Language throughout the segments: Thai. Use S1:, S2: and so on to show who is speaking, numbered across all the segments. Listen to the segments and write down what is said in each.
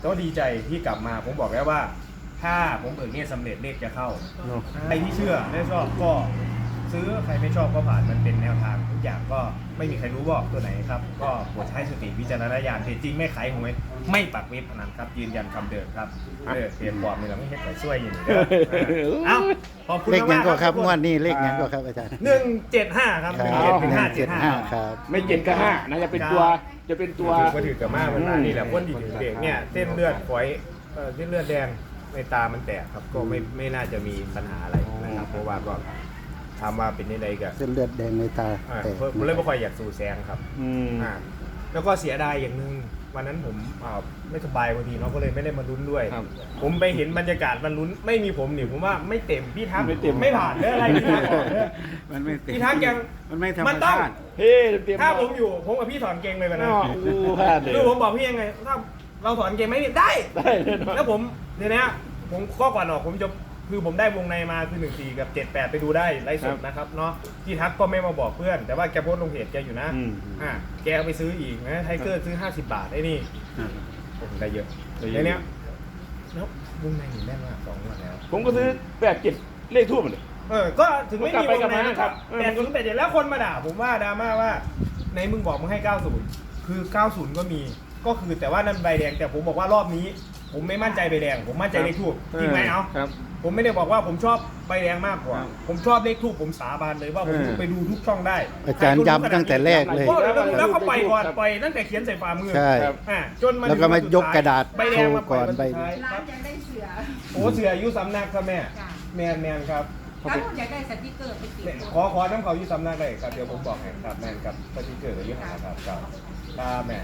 S1: ก็ดีใจที่กลับมาผมบอกแล้วว่า ถ้าผมเบิกเนี่ยสำเร็จเลขจะเข้าใครที่เชื่อและชอบก็ซื้อใครไม่ชอบก็ผ่านมันเป็นแนวทางทุกอย่างก็ไม่มีใครรู้ว่าตัวไหนครับก็โปรดใช้สติวิจารณญาณแต่จริงไม่ขายหวยไม่ปักเว็บพนันครับยืนยันคำเดิมครับเปลี่ยนบอร์ดนี่เราไม่เห็นใครช่วยอยู่เอ้าขอบคุณ
S2: เลข
S1: มา
S2: ยั
S1: ก
S2: ง
S1: ๆ
S2: ก็ครับ
S1: ทุก
S2: ง
S1: ค
S2: วดนี้เลขยังก็ครับอาจารย์
S1: 175ครับ
S2: ครับ
S1: 175
S2: ครับ
S3: ไม่เจ็ดก็ห้านะจะเป็นตัวจะเป็นตัว
S1: ถือว่าถือกับมามันนี่แหละคนที่ถือเบรกเนี่ยเส้นเลือดฝอยเส้นเลือดแดงในตามันแตกครับก็ไม่น่าจะมีปัญหาอะไรนะครับเพราะว่าก็ถามว่าเป็นยังไงกัน
S2: เส้นเลือดแดงในตาแตก
S1: ผมเลยไม่ค่อยอยากสู่แซงครับแล้วก็เสียดายอย่างหนึ่งวันนั้นผมไม่สบายพอดีเนาะก็เลยไม่ได้มาลุ้นด้วย
S3: ครับ
S1: ผมไปเห็นบรรยากาศมันลุ้นไม่มีผมนี่ผมว่าไม่เต็มพี่ทัก
S3: ไม่เต็ม
S1: ไม่ผ่านเรื่องอะไรพี่ทักบอกเนี่ย
S2: มันไม่เต็ม
S1: พี่ทักยัง
S2: มันไม่ธรร
S1: มั
S2: ม
S1: นต้อง
S2: ชาติ
S3: เฮ้เตรียม
S1: ถ้าผมอยู่ผมกับพี่ถอนเกงเลยวันนั้น
S3: อู้พลาดเลย
S1: คือผมบอกพี่ยังไงถ้าเราถอนเกงไหมได้
S3: ได้แน่นอน
S1: แล้วผมเดี๋ยวนี้ผมก็ก่อนออกผมจะคือผมได้วงในมาคือ14กับ78ไปดูได้ไลฟ์สดนะครับเนาะที่ทักก็ไม่มาบอกเพื่อน แต่ว่าแกโพสต์ลงเพจแกอยู่นะแกเอาไปซื้ออีกนะไทเกอร์ซื้อ50 บาทไอ้นี่ผมได้เยอะในเนี้ยแล้ววงในหนีแน่นมาก2 วันแล้ว
S3: ผมก็ซื้อ87เลขทูบเลย
S1: ก็ถึงไม่มีวงใน
S3: นะ
S1: นะ
S3: ค
S1: ค
S3: รั
S1: รับ บ80 87แล้วคนมาด่าผมว่าดราม่าว่าในมึงบอกมึงให้90คือ90ก็มีก็คือแต่ว่านั่นใบแดงแต่ผมบอกว่ารอบนี้ ผมไม่มั่นใจใบแดงผมมั่นใจเลขทูบจริงไหมเอา
S3: ครับ
S1: ผมไม่ได้บอกว่าผมชอบใบแดงมากกว่า ผมชอบเลขทูบผมสาบานเลยว่าผมไปดูทุกช่องได้
S2: อาจารย์ย้ำตั้งแต่แรกเลย
S1: แล้วเขาปล่อยก่อนปล่อยตั้งแต่เขียนใส่ฝ่ามือ
S2: ใช่
S1: จนมา
S2: แล้วก็มายกกระดาษ
S1: ใบแดงมาปล่อย
S2: โชว์ก่อน
S1: วัน
S2: ใบ
S1: สุดท้าย
S4: ร้านอยากได้เสือ
S1: โอ้เสืออายุสำนักครับแม่
S4: จ้ะ
S1: แมนครับ
S4: ถ้าผมอยากได้สติกเกอร์ไปติด
S1: ขอน้ำเขาอยู่สำนักได้ครับเดี๋ยวผมบอกให้ครับแมนกับสติกเกอร์กับยี่ห้อครับครับแม่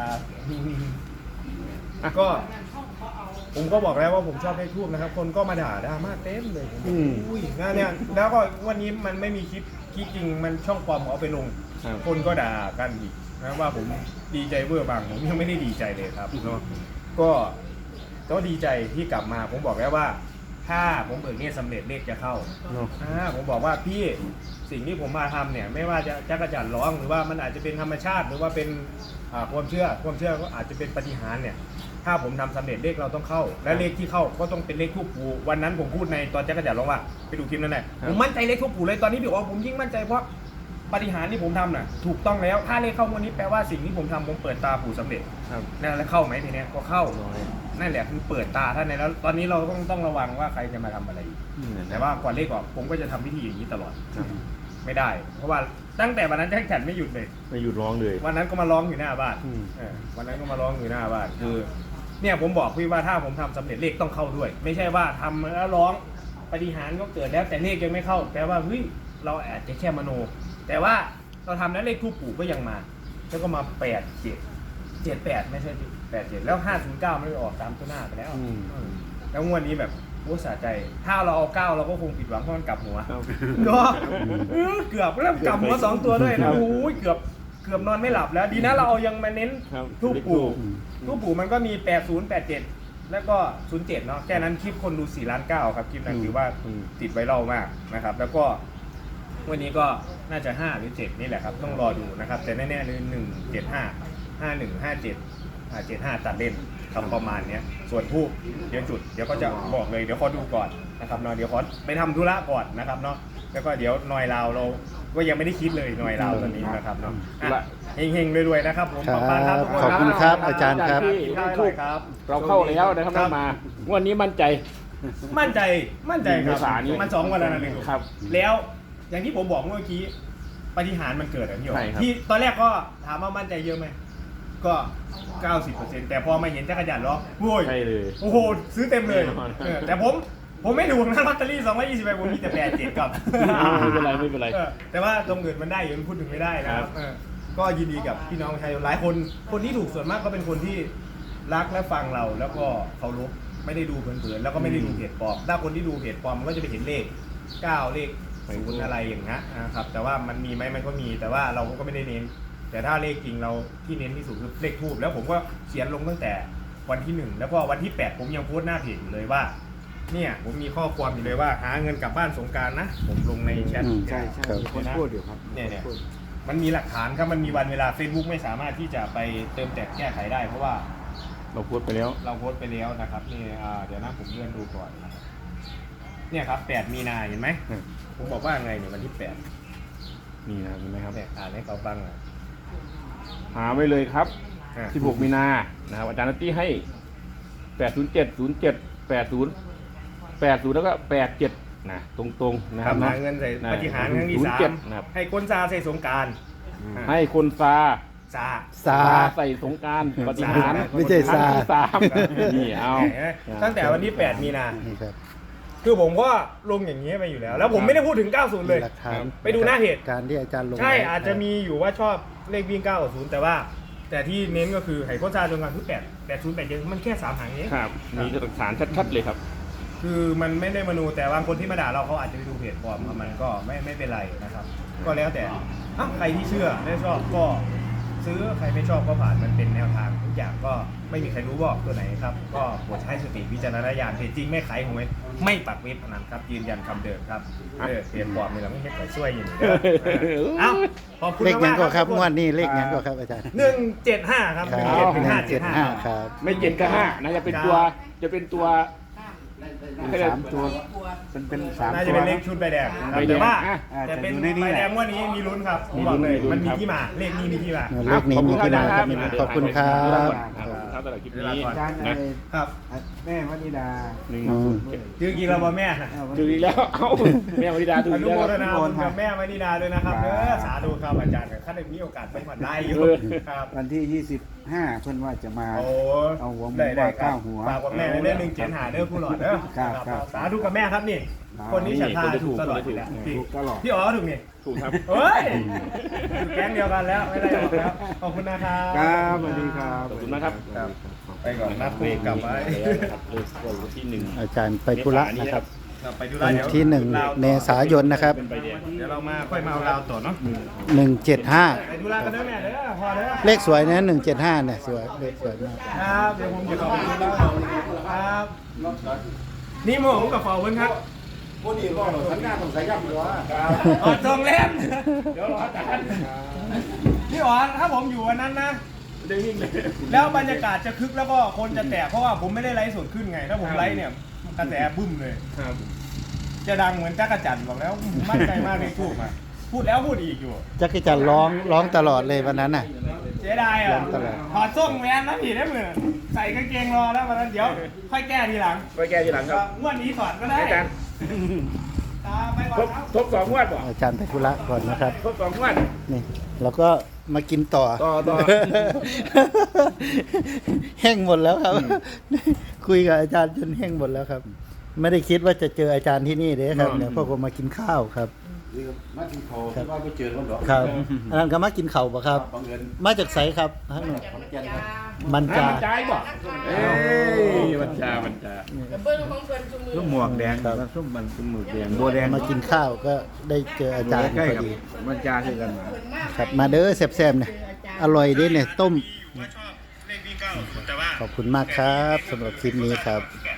S1: ก็ผมก็บอกแล้วว่าผมชอบเลขทูบนะครับ คนก็มาด่าดราม่าเต็มเลยอุ้ยงานเนี่ยแล้วก็วันนี้มันไม่มีคลิปจริงมันช่องปลอมเอาไปลง คนก็ด่ากันอีกนะว่าผมดีใจเวอร์บางผมยังไม่ได้ดีใจเลยครับเนาะก็ดีใจที่กลับมาผมบอกแล้วว่า ถ้าผมเบิกเนี่ยสำเร็จเลขจะเข้าผมบอกว่าพี่สิ่งที่ผมมาทำเนี่ยไม่ว่าจะจักรจันทร์ร้องหรือว่ามันอาจจะเป็นธรรมชาติหรือว่าเป็นความเชื่อก็อาจจะเป็นปาฏิหาริย์เนี่ยถ้าผมทำสำเร็จเลขเราต้องเข้า และเลขที่เข้าก็ต้องเป็นเลขทูปปู่วันนั้นผมพูดในตอนจักรจันทร์ร้องว่าไปดูคลิปนั้นแหละผมมั่นใจเลขทูปปู่เลยตอนนี้พี่บอกผมยิ่งมั่นใจเพราะปาฏิหาริย์ที่ผมทำน่ะถูกต้องแล้วถ้าเลขเข้างวดนี้แปลว่าสิ่งที่ผมทำผมเปิดตาปู่สำเร็จนั่นแล้วเข้าไหมทีเนี้ยก็เข้านั่นแหละคือเปิดตาท่านในแล้วตอนนี้เราต้องระวังว่าใครจะมาทำอะไรอีกแต่ว่าก่อนเลขออกผมก็จะทำพิธีอย่างนี้ตลอดไม่ได้ เพราะว่าตั้งแต่วันนั้นแจ็คแขนไม่หยุดเลย
S3: ไม่หยุดร้องเลย
S1: วันนั้นก็มาร้องอยู่หน้าบ้านวันนั้นก็มาร้องอยู่หน้าบ้านคือเนี่ยผมบอกพี่ว่าถ้าผมทำสำเร็จเลขต้องเข้าด้วย ไม่ใช่ว่าทำแล้วร้องปาฏิหาริย์ก็เกิดแล้วแต่เลขยังไม่เข้าแปลว่าเฮ้ยเราอาจจะแค่มโน แต่ว่าเราทำแล้วเลขทูปปู่ก็ยังมาแล้วก็มา78ไม่ใช่87แล้ว509ไม่ได้ออกตามตัวหน้าไปแล้วแล้วงวดนี้แบบโอ้สะใจถ้าเราเอา9เราก็คงผิดหวังเพราะมันกลับหัวเนาะเกือบแล้วกลับหัว2ตัวด้วยนะโอ้ยเกือบนอนไม่หลับแล้วดีนะเราเอายังมาเน้นทูปปู่มันก็มี80 87แล้วก็07เนาะแค่นั้นคลิปคนดู4 ล้าน 9ครับคลิปนั้นถือว่าติดไวรัลมากนะครับแล้วก็วันนี้ก็น่าจะ5หรือ7นี่แหละครับต้องรอดูนะครับแต่แน่ๆเลย175 51 57 75ตัดเล่นทำประมาณนี้ส่วนทูบเดี๋ยวจุดเดี๋ยวก็จะบอกเลยเดี๋ยวขอดูก่อนนะครับเนาะเดี๋ยวขอไปทำธุระก่อนนะครับเนาะแล้วก็เดี๋ยวนอยลาวเราก็ยังไม่ได้คิดเลยนอยลาวตอนนี้นะครับเนาะเฮงๆรวยๆนะครับผม
S2: ครับ
S1: ขอบคุณครับทุกคน
S2: ขอบคุณครับอาจารย์ครับ
S1: ที่ได้ทูบครับ
S3: เราเข้าแล้วนะครับมวันนี้มั่นใจ
S1: มั่นใจครับ
S3: เมษายนนี้
S1: มัน2 วันแล้วนะเลย
S3: ครับ
S1: แล้วอย่างที่ผมบอกเมื่อกี้ปาฏิหาริย์มันเกิดอะไรพี่หย
S3: ใช่ครับ
S1: ที่ตอนแรกก็ถามว่ามั่นใจเยอะไหมก็ 90%แต่พอมาเห็นจักรยานล้อโว้ย
S3: ใช่เลย
S1: โอ้โหซื้อเต็มเลย
S3: แน่นอน
S1: แต่ผมไม่ถูกนะลอตเตอรี่220ใบผมมีแต่87กับ
S3: ไม่เป็นไรไม่เป็นไร
S1: แต่ว่าตรงอื่นมันได้อยู่มันพูดถึงไม่ได้นะครับก็ยินดีกับพี่น้องประชาชนหลายคนที่ถูกส่วนมากก็เป็นคนที่รักและฟังเราแล้วก็เคารพไม่ได้ดูเผินๆแล้วก็ไม่ได้ดูเพจปลอมถ้าคนที่ดูเพจปลอมมันก็จะไปเห็นเลข9เลข0อะไรอย่างนี้นะครับแต่ว่ามันมีไหมมันก็มีแต่ว่าเราก็ไม่ได้เน้นแต่ถ้าเลขจริงเราที่เน้นที่สุดคือเลขทูบแล้วผมก็เขียนลงตั้งแต่วันที่1แล้วก็วันที่8ผมยังโพสต์หน้าเพจอยู่เลยว่าเนี่ยผมมีข้อความอยู่เลยว่าหาเงินกลับบ้านสงกรานต์นะผมลงในแชท
S3: ใช่มีคนพูดอยู่ครับ
S1: เนี่ยมันมีหลักฐานครับมันมีวันเวลา Facebook ไม่สามารถที่จะไปเติมแต่งแก้ไขได้เพราะว่า
S3: เราพูดไปแล้ว
S1: เราโพสต์ไปแล้วนะครับนี่เดี๋ยวนะผมเลื่อนดูก่อนนะครับเนี่ยครับ8มีนาเห็นไหม
S3: อืม
S1: ผมบอกว่าไงเนี่ยวันที่8
S3: นี่นะเห็นไหมครับ
S1: เนี่ยอ่านให้เขาฟังอ่ะ
S3: หาไว้เลยครับ
S1: อ่ะ
S3: 16 มีนานะครับอาจารย์นัตตี้ให้ 807 07 80 80 แล้วก็ 87 นะตรงๆนะครับ
S1: ทำ
S3: นะ
S1: หาเงินใส่
S3: นะ
S1: ปฏิหารย์ครั้งที่
S3: 07นะครับ
S1: 3ให้คนซาใส่สงกราร
S3: ให้คนซา
S1: ซา
S2: ซา
S3: ใส่สงกรารปฏิหาร
S2: ไม่ใช่ซา
S3: ครั้งที่สามนี่เอา
S1: ตั้งแต่วันที่8มีนา
S2: นี่ครับ
S1: คือผมก็ลงอย่างนี้ไปอยู่แล้ว แล้วผมไม่ได้พูดถึง 90 เลย
S2: หลักฐาน
S1: ไปดูหน้าเพจ
S2: การที่อาจารย์ลง
S1: ใช่
S2: ไว้
S1: อาจจะมีอยู่ว่าชอบเลขวิ่ง9กับ0แต่ว่า แต่ที่เน้นก็คือไห่โคชาจนกันทุก80 87มันแค่3หางเอง
S3: ครับ มีหลักฐานชัดๆเลยครับ
S1: คือมันไม่ได้มโนแต่บางคนที่มาด่าเราเขาอาจจะไปดูเพจปลอมมันก็ไม่เป็นไรนะครับ ก็แล้วแต่ใครที่เชื่อไม่ชอบก็ซื้อใครไม่ชอบก็ผ่านมันเป็นแนวทางทุกอย่างก็ไม่มีใครรู้ว่าตัวไหนครับ ก็โปรดใช้สติวิจารณญาณเพจจริงไม่ขายหวยไม่ปักเว็บพนันครับยืนยันคำเดิมครับเพจปลอมนี่เราไม่ให้ใครช่วยอยู่เด้อเอ้าขอบคุณ
S2: เลขหยัง
S1: มากๆ
S2: ก็ครับ
S1: ทุ
S2: งวดนี้เลขหยังก็ครับอาจารย์
S1: 175ครับ
S2: ครับ
S1: 175
S2: ครับ
S3: ไม่เจ็ดกับห้านะจะเป็นตัวจะเป็นตัว
S5: 3 ตัวเป็น3
S1: น่า
S5: ตั
S1: จะ
S5: ว
S1: เป็นเลขชุดใบแดง
S3: ใบแดง
S1: แต่ว่า
S3: อ่ะ
S1: แต่เป็น
S5: แต่อยู่ในนี้
S1: ใบ
S5: แหละ
S1: แดงงวันนี้มีลุ้นครับผมบอกเลย
S3: มีลุ้น
S1: มันมี
S3: ครับ
S1: ที่มาเลขนี้มีที่มา
S2: เลขนี้มีที่มาครับขอบคุณครับ
S3: ครับตลอดคลิปนี้
S5: อาจารย์
S1: ครับ
S5: แม่วนิดา
S1: ชื่อกีฬาบอแม่นะ
S3: ถึงอีกแล้ว เอ้าแม่วริดาถึง
S1: อ
S3: อี
S1: นุ
S3: ก
S1: โม
S3: แล้ว
S1: ทนาบุญกับแม่มณีดาด้วยนะครับสาธุครับอาจารย์ถ้าได้มีโอกาสไปผ่อนได้อยู่ครับ
S5: วันที่ 25 เพิ่นว่าจะมา
S1: โอ้
S5: เอาหัวหมู
S1: ได้
S5: มา
S1: ครั
S5: เก้า
S1: บ
S5: หัว
S1: ฝากกับแม่ในเรื่อง175เด้อผู้หลอดเด้อ
S5: ครับ
S1: สาธุกับแม่ครับนี่ คนนี้ฉันทาถูกตลอดอยู่แล้ว
S5: ถูกตลอด
S1: พี่อ๋อถูกนี่
S3: ถูกครับ
S1: เฮ้ยอยู่แก๊งเดียวกันแล้วไม่ได้หรอกครับขอบคุณนะครับ
S5: ครับสวัสดีครับ
S3: ขอบคุณนะครับ
S1: ครับไปก่อนนัดคุยกลับไว้
S3: ครับเลขวันที่1
S2: อาจารย์ไปธุระนะครับ
S1: ครับไปดู
S2: วัน
S1: เดี๋ยว
S2: ที่
S1: ลาว
S2: 1 เมษายนนะครับ
S3: เป็นใบแดง
S1: เดี๋ยวเรามาค่อยมาเอาลาวต่อเนาะ
S2: 175
S1: ไปดูลาวกันเด้อแม่เด้อพอเด้อ
S2: เลขสวยนะ175เนี่ยสวยเลขสวยมาก
S1: ครับเดี๋ยวผมจะเข้าไปดูลาวครับนี่โมผมกับฟอเพิ่นครับ
S5: คนนี้ก็สัญญาต้องใส่ย่ำหรือว่า
S1: อ๋อทองเล่มเดี๋ยวรออาจารย์พี่อ๋อถ้าผมอยู่วันนั้นนะ
S3: ได้วิ่งเลย
S1: แล้วบรรยากาศจะคึกแล้วก็คนจะแตกเพราะว่าผมไม่ได้ไลฟ์สดขึ้นไง ถ้าผมไลฟ์เนี่ยกระแสบึ้มเลย
S3: ครับ
S1: จะดังเหมือนจักรจันทร์บอกแล้วมั่นใจมากในทูกอ่ะพูดแล้วพูดอีกอยู่
S2: จักรจันทร์ร้องตลอดเลยวันนั้นน่ะ
S1: เสียดาย
S2: ล
S1: อ่ะ
S2: องตลอด
S1: ถอดส้งแวนนะพี่ได้มือใส่กางเกงรอแล้ววันนั้นเดี๋ยวค่อยแก้ทีหลัง
S3: ไปแก้ทีหลังครับ
S1: งวดนี้ถอดก็ได้
S3: อาจารย์
S1: ไปก่อนครับ
S3: ทบ2 งวดบ่
S2: อาจารย์ไปธุระก่อนนะครับ
S3: ทบ2 งวด
S2: นี่เราก็มากินต่อ
S3: ต่อ
S2: แห้งหมดแล้วครับ คุยกับอาจารย์จนแห้งหมดแล้วครับ ไม่ได้คิดว่าจะเจออาจารย์ที่นี่เด้ครับเนี่ยพวกผมมากินข้าวครับ
S5: มาที่เขาที่ว่าไปเจอคนหรอ
S2: ครับอันนั้นก็มากินข้าวปะครับ
S5: บังเอิญ
S2: มาจากไสครับท่านมัน
S3: จ้า
S2: จา
S3: ใจบ่เอ้ยมันจ้า
S4: เบิ้งของเพิ่นจุมือ
S5: ลูกหมวกแดง
S2: ครับ
S5: ส้มมันส้มหมึกแดง
S2: บัวแดงมากินข้าวก็ได้เจออาจารย์
S5: ใกล้
S2: พอ
S5: กับ
S2: ดี
S5: มันจาคือกัน
S4: เพิ่นมาก
S2: ครับมาเด้อแซ่บๆเนี่ยอร่อยเด้เนี่ยต้ม
S1: ชอบเลขวิ่ง9แต่ว่า
S2: ขอบคุณมากครับสำหรับคลิปนี้ครับ
S1: 8